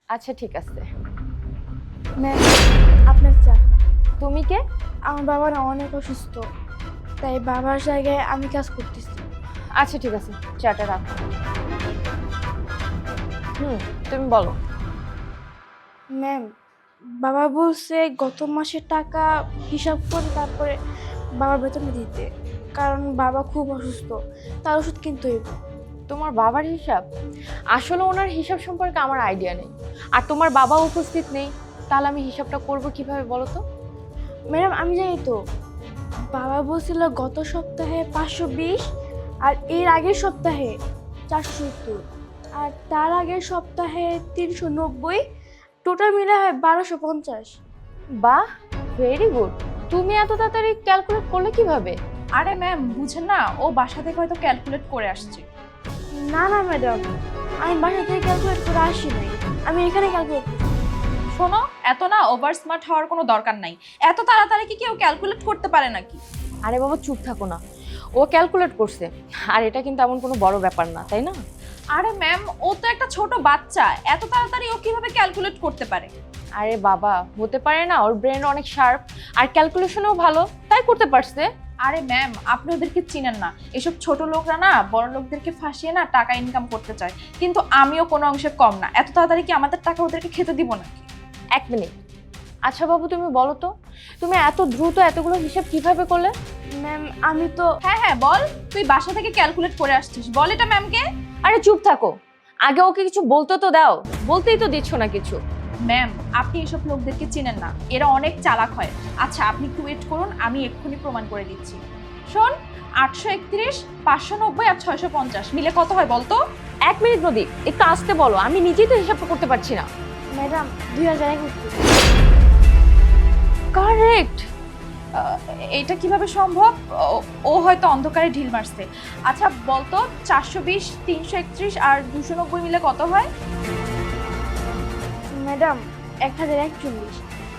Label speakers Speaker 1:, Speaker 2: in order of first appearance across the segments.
Speaker 1: আচ্ছা ঠিক আছে।
Speaker 2: ম্যাম, আপনার চা।
Speaker 1: তুমি কে?
Speaker 2: আমার বাবা না অনেক অসুস্থ, তাই বাবার জায়গায় আমি কাজ করতেছি।
Speaker 1: আচ্ছা ঠিক আছে, চাটা রাখো। তুমি বলো।
Speaker 2: ম্যাম, বাবা বলছে গত মাসের টাকা হিসাব করে তারপরে বাবার বেতন দিতে, কারণ বাবা খুব অসুস্থ, তার ওষুধ কিনতে হইব।
Speaker 1: তোমার বাবার হিসাব? আসলে ওনার হিসাব সম্পর্কে আমার আইডিয়া নেই, আর তোমার বাবা উপস্থিত নেই, তাহলে আমি হিসাবটা করব কিভাবে বলো তো?
Speaker 2: ম্যাডাম, আমি জানি তো, বাবা বলছিল গত সপ্তাহে 520, আর এর আগের সপ্তাহে 470, আর তার আগের সপ্তাহে 390, টোটাল মিলে হয় 1250।
Speaker 1: বাহ, ভেরি গুড। তুমি এত তাড়াতাড়ি ক্যালকুলেট করলে কিভাবে?
Speaker 3: আরে ম্যাম, বুঝেন না, ও বাসা থেকে হয়তো ক্যালকুলেট করে আসছে।
Speaker 2: না না ম্যাডাম, আমি বাসা থেকে ক্যালকুলেট করে আসি নাই, আমি এখানে ক্যালকুলেট করছি।
Speaker 3: শোনো, এত না ওভার স্মার্ট হওয়ার কোনো দরকার নাই। এত তাড়াতাড়ি কি কেউ ক্যালকুলেট করতে পারে নাকি?
Speaker 1: আরে বাবা চুপ থাকো না, ও ক্যালকুলেট করছে, আর এটা কিন্তু এমন কোনো বড় ব্যাপার না, তাই না?
Speaker 3: আরে ম্যাম, ও তো একটা ছোট বাচ্চা, এত তাড়াতাড়ি ও কিভাবে ক্যালকুলেট করতে পারে?
Speaker 1: আরে বাবা, হতে পারে না, ওর ব্রেন অনেক শার্প, আর ক্যালকুলেশনও ভালো, তাই করতে পারছে।
Speaker 3: আরে ম্যাম, আপনি ওদেরকে চিনেন না। এসব ছোট লোকরা না বড় লোকদেরকে ফাঁসিয়ে না টাকা ইনকাম করতে চায়, কিন্তু আমিও কোনো অংশে কম না। এত তাড়াতাড়ি কি আমাদের টাকা ওদেরকে খেতে দিব নাকি?
Speaker 1: এক মিনিট। আচ্ছা বাবু, তুমি বলো তো, তুমি এত দ্রুত এতগুলো হিসাব কিভাবে করলে?
Speaker 2: ম্যাম, আমি তো
Speaker 3: হ্যাঁ হ্যাঁ, বল, তুই বাসা থেকে ক্যালকুলেট করে আসছিস, বল এটা ম্যামকে।
Speaker 1: আরে চুপ থাকো, আগে ওকে কিছু বলতে তো দাও, বলতেই তো দিচ্ছ না কিছু।
Speaker 3: ম্যাম, আপনি এসব লোকদেরকে চিনেন না, এরা অনেক চালাক হয়। আচ্ছা, আপনি একটু ওয়েট করুন, আমি এক্ষুনি প্রমাণ করে দিচ্ছি। শোন, 831, 590 আর 650 মিলে কত হয় বলতো?
Speaker 1: এক মিনিট নদী, একটু আসতে বলো, আমি নিজেই তো হিসাবটা করতে পারছি না।
Speaker 2: ম্যাডাম 2031।
Speaker 1: কারেক্ট।
Speaker 3: এটা কিভাবে সম্ভব? ও হয়তো অন্ধকারে ঢিল মারছে। আচ্ছা বলতো, 420, 331 আর 290 মিলে কত হয়?
Speaker 2: ম্যাডাম 1041।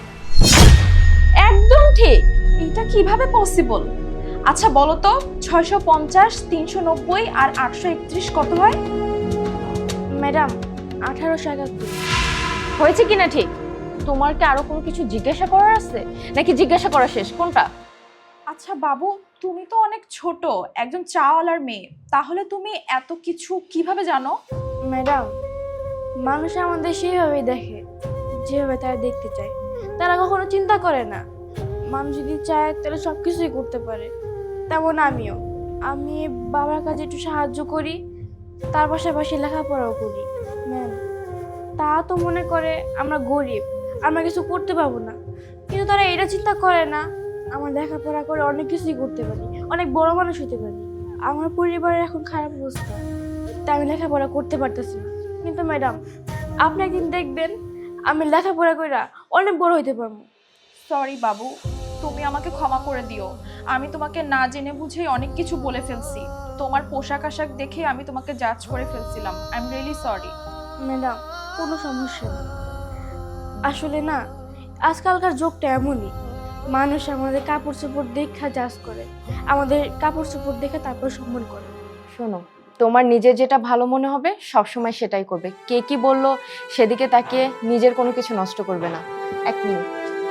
Speaker 1: একদম ঠিক।
Speaker 3: এটা কিভাবে পসিবল? আচ্ছা বলো তো, 650, 390 আর 831 কত হয়?
Speaker 2: ম্যাডাম 1871।
Speaker 1: হয়েছে কিনা ঠিক? তোমার কি আরো কোনো কিছু জিজ্ঞাসা করার আছে, নাকি জিজ্ঞাসা করা শেষ? কোনটা?
Speaker 3: আচ্ছা বাবু, তুমি তো অনেক ছোট, একজন চাওয়ালার মেয়ে, তাহলে তুমি এত কিছু কিভাবে জানো?
Speaker 2: ম্যাডাম, মানুষ আমাদের সেইভাবেই দেখে যেভাবে তারা দেখতে চায়, তারা কখনো চিন্তা করে না মানুষ যদি চায় তাহলে সব কিছুই করতে পারে। তেমন আমিও, আমি বাবার কাছে একটু সাহায্য করি, তার পাশাপাশি লেখাপড়াও করি। ম্যাম, তা তো মনে করে আমরা গরিব, আমরা কিছু করতে পারবো না, কিন্তু তারা এটা চিন্তা করে না আমার লেখাপড়া করে অনেক কিছুই করতে পারি, অনেক বড় মানুষ হতে পারি। আমার পরিবারের এখন খারাপ অবস্থা, তাই আমি লেখাপড়া করতে পারতেছি না, কিন্তু ম্যাডাম আপনি একদিন দেখবেন আমি লেখাপড়া করে অনেক বড় হইতে পারবো।
Speaker 3: সরি বাবু, তুমি আমাকে ক্ষমা করে দিও। আমি তোমাকে না জেনে বুঝেই অনেক কিছু বলে ফেলছি। তোমার পোশাক আশাক দেখে আমি তোমাকে জাজ করে ফেলছিলাম। I am really sorry.
Speaker 2: Madam, কোনো সমস্যা নেই। আসলে না, আজকালকার যুগটা এমনই, মানুষ আমাদের কাপড় চোপড় দেখা জাজ করে, আমাদের কাপড় চোপড় দেখে তারপর সম্মান করে।
Speaker 1: শোনো, তোমার নিজের যেটা ভালো মনে হবে সবসময় সেটাই করবে, কে কি বললো সেদিকে তাকিয়ে নিজের কোনো কিছু নষ্ট করবে না। এক মিনিট,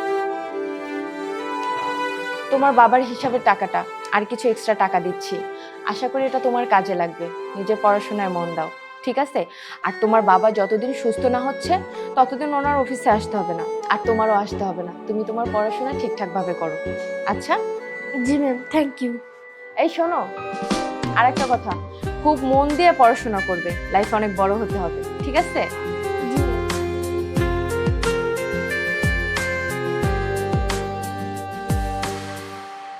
Speaker 1: তোমার বাবার হিসাবের টাকাটা, আর কিছু এক্সট্রা টাকা দিচ্ছি, আশা করি এটা তোমার কাজে লাগবে। নিজের পড়াশোনায় মন দাও, ঠিক আছে? আর তোমার বাবা যতদিন সুস্থ না হচ্ছে ততদিন ওনার অফিসে আসতে হবে না, আর তোমারও আসতে হবে না। তুমি তোমার পড়াশোনা ঠিকঠাক ভাবে করো, আচ্ছা?
Speaker 2: জি ম্যাম, থ্যাংক ইউ।
Speaker 1: এই শোনো, আরেকটা কথা, খুব মন দিয়ে পড়াশোনা করবে, লাইফ অনেক বড় হতে হবে, ঠিক আছে?